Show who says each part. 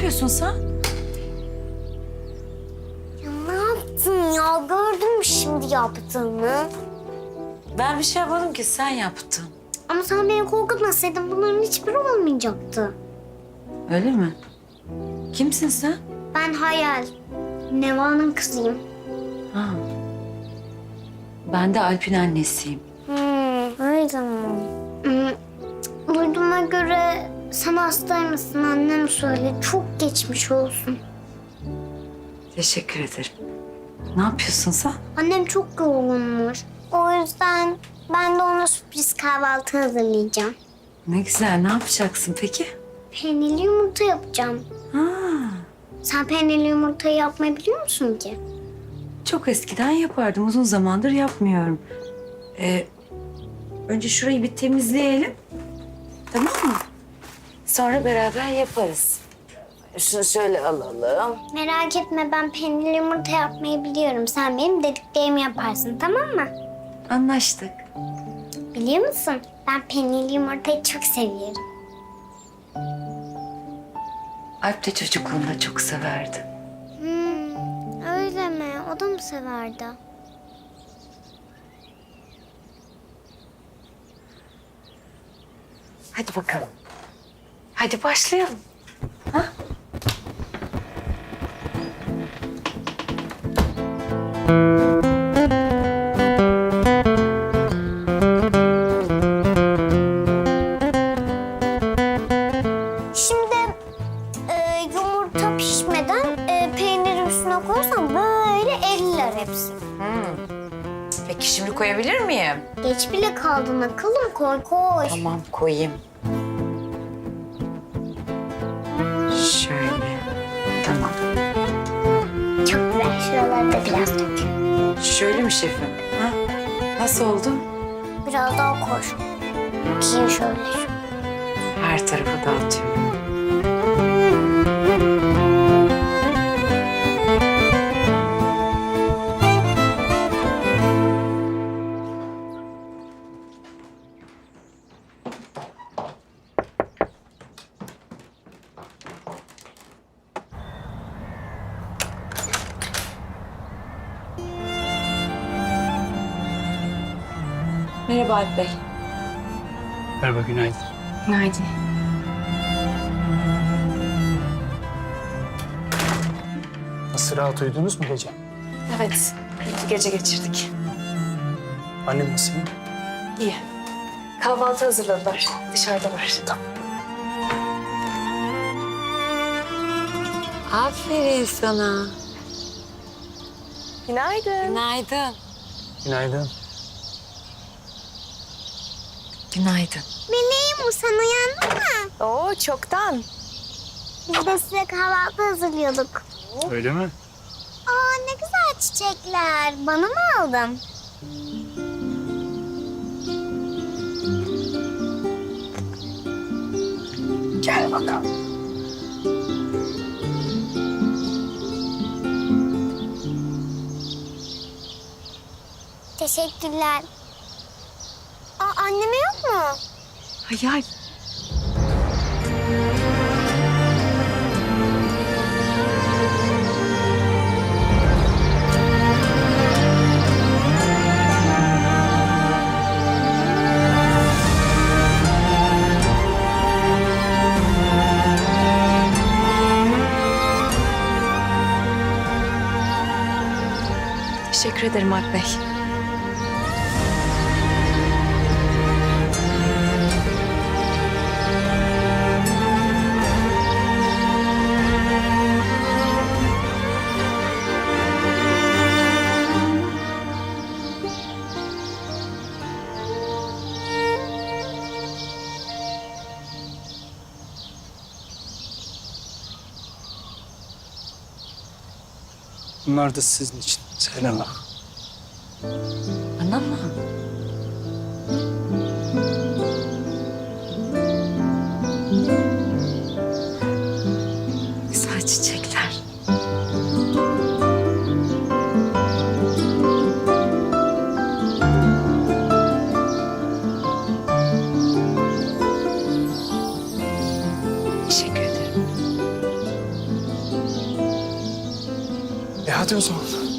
Speaker 1: yapıyorsun sen?
Speaker 2: Ya ne yaptın ya? Gördün mü şimdi yaptığını?
Speaker 1: Ben bir şey yapmadım ki, sen yaptın.
Speaker 2: Ama sen beni korkutmasaydın bunların hiçbiri olmayacaktı.
Speaker 1: Öyle mi? Kimsin sen?
Speaker 2: Ben Hayal. Neva'nın kızıyım.
Speaker 1: Ha. Ben de Alp'in annesiyim.
Speaker 2: Öyle mi? Duyduğuma göre sen hastaymışsın, annem söyledi. Çok geçmiş olsun.
Speaker 1: Teşekkür ederim. Ne yapıyorsun sen?
Speaker 2: Annem çok yorgunmuş. O yüzden ben de ona sürpriz kahvaltı hazırlayacağım.
Speaker 1: Ne güzel, ne yapacaksın peki?
Speaker 2: Peynirli yumurta yapacağım.
Speaker 1: Ha.
Speaker 2: Sen peynirli yumurtayı yapmayı biliyor musun ki?
Speaker 1: Çok eskiden yapardım, uzun zamandır yapmıyorum. Önce şurayı bir temizleyelim. Tamam mı? Sonra beraber yaparız. Şunu şöyle alalım.
Speaker 2: Merak etme, ben peynirli yumurta yapmayı biliyorum. Sen benim dediklerimi yaparsın, tamam mı?
Speaker 1: Anlaştık.
Speaker 2: Biliyor musun? Ben peynirli yumurtayı çok seviyorum.
Speaker 1: Alp de çocukluğunda çok severdi.
Speaker 2: Öyle mi? O da mı severdi?
Speaker 1: Hadi bakalım. Hadi başlayalım. Ha?
Speaker 2: Şimdi yumurta pişmeden peyniri üstüne koyarsan böyle eriler hepsi.
Speaker 1: Peki şimdi koyabilir miyim?
Speaker 2: Geç bile kaldın akıllım, koy koy.
Speaker 1: Tamam, koyayım. Şöyle. Tamam.
Speaker 2: Çok güzel, şuraları da biraz dök.
Speaker 1: Şöyle mi şefim? Ha? Nasıl oldu?
Speaker 2: Biraz daha koy. Bakayım şöyle.
Speaker 1: Her tarafa dağıtıyorum. Merhaba Alp Bey.
Speaker 3: Merhaba, günaydın.
Speaker 1: Günaydın.
Speaker 3: Nasıl, rahat uyudunuz mu gece?
Speaker 1: Evet, iyi gece geçirdik.
Speaker 3: Annem nasıl?
Speaker 1: İyi. Kahvaltı hazırladılar. Dışarıda var. Tamam. Aferin sana.
Speaker 4: Günaydın.
Speaker 1: Günaydın.
Speaker 3: Günaydın.
Speaker 1: Günaydın.
Speaker 2: Meleğim, sen uyandın mı?
Speaker 4: Oo, çoktan.
Speaker 2: Biz de size kahvaltı hazırlıyorduk.
Speaker 3: Öyle mi?
Speaker 2: Aa, ne güzel çiçekler. Bana mı aldın?
Speaker 3: Gel bakalım.
Speaker 2: Teşekkürler. Aa, anneme yok mu?
Speaker 1: Hayal. Teşekkür ederim Alp Bey.
Speaker 3: Bunlar da sizin için. Selam.
Speaker 1: Bana mı? Güzel çiçekler. Teşekkür ederim.
Speaker 3: Hadi o zaman.